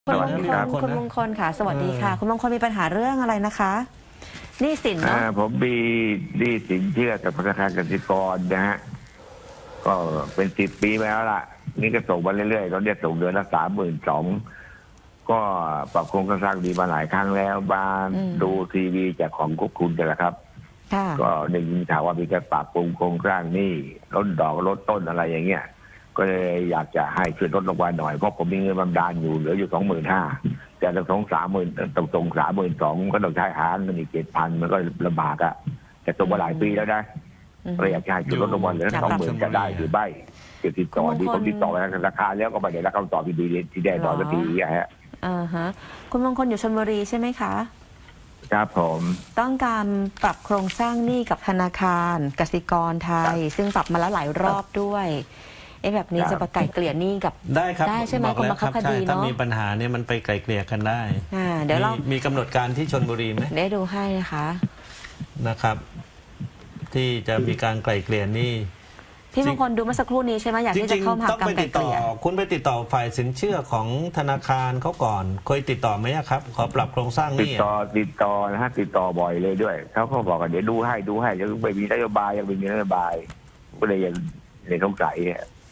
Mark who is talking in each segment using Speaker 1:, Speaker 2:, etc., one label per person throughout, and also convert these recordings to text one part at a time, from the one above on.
Speaker 1: คุณมงคล
Speaker 2: คุณมงคลค่ะสวัสดีค่ะคุณมงคลมีปัญหาเรื่องอะไรนะคะหนี้สินเนาะ
Speaker 1: ผมมีหนี้สินเชื่อกับธนาคารกสิกรนะฮะก็เป็น10 ปีมาแล้วล่ะนี่ก็ส่งมาเรื่อยๆตอนนี้ส่งเดือนละ32,000ก็ปรับโครงสร้างดีมาหลายครั้งแล้วบ้านดูทีวีจากของกุ๊กคุณกันแหละครับก็ได้ยินข่าวว่ามีการปรับปรุงโครงสร้างหนี้ลดดอกลดต้นอะไรอย่างเงี้ยก็เลยอยากจะให้ช่วยลดลงมาหน่อยเพราะผมมีเงินบำนาญอยู่เหลืออยู่25,000แต่ต้อง30,000ตรง32,000ก็ต้องใช้หาเงินอีก7,000มันก็ลำบากอะแต่ตัวมาหลายปีแล้วนะก็อยากจะให้ช่วยลดลงมาเหลือ20,000จะได้หรือไม่จะติดต่อดีผมติดต่อไปธนาคารแล้วก็ไม่ได้รับคำตอบที่ได้ต่อสักทีฮะ
Speaker 2: คุณมงคลอยู่ชลบุรีใช่ไหมคะ
Speaker 1: ครับผม
Speaker 2: ต้องการปรับโครงสร้างหนี้กับธนาคารกสิกรไทยซึ่งปรับมาแล้วหลายรอบด้วยแบบนี้จะประไกลเกลี่ยหนี้กับ
Speaker 3: ได้ครับ
Speaker 2: ได้ใช่ไหม
Speaker 3: บอกแล้วครับใช่ถ้ามีปัญหาเนี่ยมันไปไกลเกลี่ยกันได้
Speaker 2: เดี๋ยวเรา
Speaker 3: มีกำหนดการที่ชลบุรีไหม
Speaker 2: ได้ดูให้
Speaker 3: นะครับที่จะมีการไกลเกลี่ยหนี้
Speaker 2: พี่มงคลดูเมื่อสักครู่นี้ใช่ไหมอยากที่จะเข้ามาการไกลเกลี่ย
Speaker 3: คุณไปติดต่อฝ่ายสินเชื่อของธนาคารเขาก่อนเคยติดต่อไหมครับขอปรับโครงสร้างหนี้
Speaker 1: ติดต่อนะฮะติดต่อบ่อยเลยด้วยเขาบอกว่าเดี๋ยวดูให้ยังไม่มีนโยบายยังไม่มีนโยบายก็เลยยังสงสัย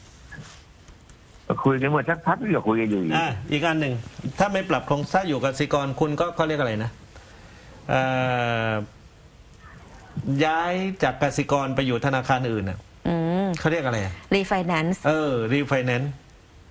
Speaker 1: คุยกันเมื่อสักพักก็คุยกันอยู่
Speaker 3: อีกอันหนึ่งถ้าไม่ปรับโครงสร้างอยู่กับกสิกรคุณก็เขาเรียกอะไรนะย้ายจากกสิกรไปอยู่ธนาคารอื่นเขาเรียกอะไร
Speaker 2: รีไฟแนนซ์
Speaker 3: รีไฟแนนซ์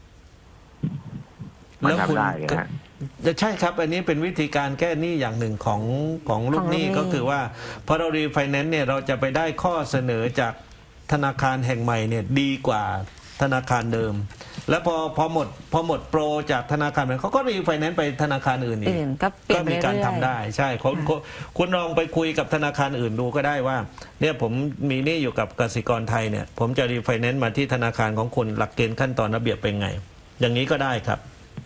Speaker 1: แล้วคุณ
Speaker 3: จะใช่ครับอันนี้เป็นวิธีการแก้หนี้อย่างหนึ่งของลูกหนี้ก็คือว่าพอเรารีไฟแนนซ์เนี่ยเราจะไปได้ข้อเสนอจากธนาคารแห่งใหม่เนี่ยดีกว่าธนาคารเดิมแล้วพอหมดโปรจากธนาคารนั้นเขาก็รีไฟแนนซ์ไปธนาคารอื่นอีกก็มีการทำได้ใช่คุณลองไปคุยกับธนาคารอื่นดูก็ได้ว่าเนี่ยผมมีหนี้อยู่กับกสิกรไทยเนี่ยผมจะรีไฟแนนซ์มาที่ธนาคารของคุณหลักเกณฑ์ขั้นตอนระเบียบเป็นไงอย่างนี้ก็ได้ครับ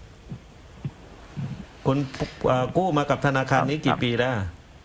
Speaker 3: คุณกู้มากับธนาคารนี้กี่ปีแล้ว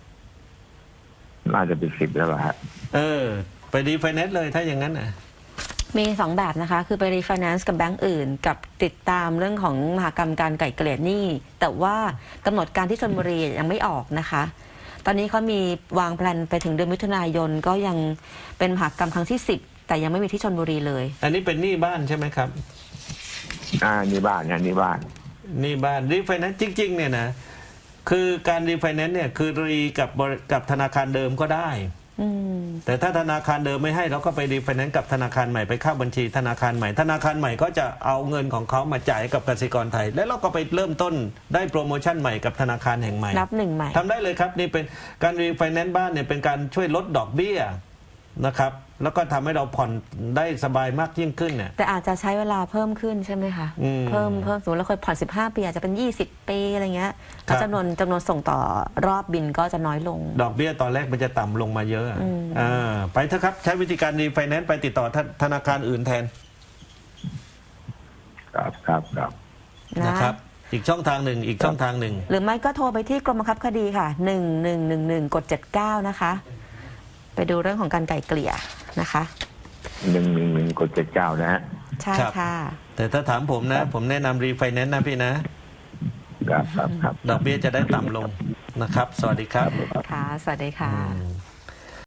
Speaker 1: น่าจะเป็น10แล้วฮะ
Speaker 3: ไปรีไฟแนนซ์เลยถ้าอย่างนั้น
Speaker 2: มี2แบบนะคะคือไปรีไฟแนนซ์กับแบงก์อื่นกับติดตามเรื่องของมหกรรมการไกล่เกลี่ยหนี้แต่ว่ากำหนดการที่ชลบุรียังไม่ออกนะคะตอนนี้เขามีวางแผนไปถึงเดือนมิถุนายนก็ยังเป็นมหกรรมครั้งที่10แต่ยังไม่มีที่ชลบุรีเลย
Speaker 3: อันนี้เป็นหนี้บ้านใช่ไหมครับ
Speaker 1: นี่บ้านนี่บ้าน
Speaker 3: รีไฟแนนซ์จริงๆเนี่ยนะคือการรีไฟแนนซ์เนี่ยคือรีกับธนาคารเดิมก็ได้แต่ถ้าธนาคารเดิมไม่ให้เราก็ไปรีไฟแนนซ์กับธนาคารใหม่ไปเข้าบัญชีธนาคารใหม่ธนาคารใหม่ก็จะเอาเงินของเขามาจ่ายกับกสิกรไทยแล้วเราก็ไปเริ่มต้นได้โปรโมชั่นใหม่กับธนาคารแห่งใหม่
Speaker 2: นับหนึ่งใหม่
Speaker 3: ทำได้เลยครับนี่เป็นการรีไฟแนนซ์บ้านเนี่ยเป็นการช่วยลดดอกเบี้ยนะครับแล้วก็ทำให้เราผ่อนได้สบายมากยิ่งขึ้นเนี่ย
Speaker 2: แต่อาจจะใช้เวลาเพิ่มขึ้นใช่ไหมคะเพิ่มสมมติเราเคยผ่อน15 ปีอาจจะเป็น20 ปีอะไรเงี้ยแล้วจำนวนส่งต่อรอบบินก็จะน้อยลง
Speaker 3: ดอกเบี้ยตอนแรกมันจะต่ำลงมาเยอะไปเถอะครับใช้วิธีการรีไฟแนนซ์ไปติดต่อธนาคารอื่นแทน
Speaker 1: ครับ
Speaker 3: นะครับอีกช่องทางหนึ่ง
Speaker 2: หรือไม่ก็โทรไปที่กรมบังคับคดีค่ะ1111กด79นะคะไปดูเรื่องของการไกล่เกลี่ยนะคะ
Speaker 1: 111กด79นะฮะ
Speaker 2: ใช่ค่ะ
Speaker 3: แต่ถ้าถามผมนะผมแนะนำรีไฟแนนซ์นะพี่นะครับดอกเบี้ยจะได้ต่ำลงนะครับสวัสดีครับ
Speaker 2: ค่ะสวัสดีค่ะ